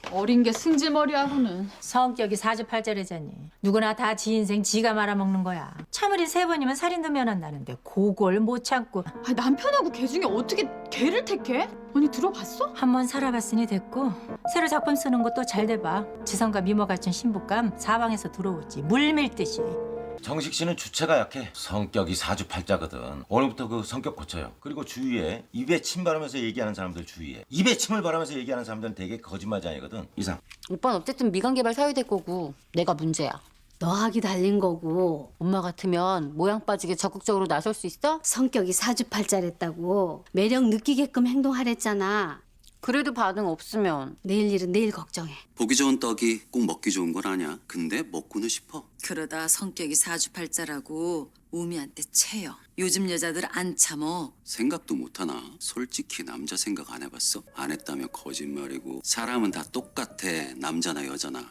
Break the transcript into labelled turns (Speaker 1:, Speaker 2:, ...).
Speaker 1: 어린 게 승질머리하고는.
Speaker 2: 성격이 사주팔자래잖니. 누구나 다 지 인생 지가 말아먹는 거야. 참으리 3번이면 살인도 면한다는데 그걸 못 참고
Speaker 1: 아니, 남편하고 걔 중에 어떻게 걔를 택해? 언니 들어봤어?
Speaker 2: 한 번 살아봤으니 됐고 새로 작품 쓰는 것도 잘 돼봐. 지성과 미모 갖춘 신부감 사방에서 들어오지. 물 밀듯이.
Speaker 3: 정식 씨는 주체가 약해. 성격이 사주팔자거든. 오늘부터 그 성격 고쳐요. 그리고 주위에 입에 침 바르면서 얘기하는 사람들 주위에. 입에 침을 바르면서 얘기하는 사람들은 되게 거짓말쟁이거든. 이상.
Speaker 4: 오빠는 어쨌든 미관개발 사유될 거고 내가 문제야.
Speaker 5: 너하기 달린 거고
Speaker 4: 엄마 같으면 모양 빠지게 적극적으로 나설 수 있어?
Speaker 5: 성격이 사주팔자랬다고 매력 느끼게끔 행동하랬잖아.
Speaker 4: 그래도 반응 없으면
Speaker 5: 내일 일은 내일 걱정해.
Speaker 6: 보기 좋은 떡이 꼭 먹기 좋은 건 아니야. 근데 먹고는 싶어.
Speaker 7: 그러다 성격이 사주팔자라고 우미한테 채여. 요즘 여자들 안 참어.
Speaker 6: 생각도 못하나? 솔직히 남자 생각 안 해봤어? 안 했다면 거짓말이고. 사람은 다 똑같아. 남자나 여자나.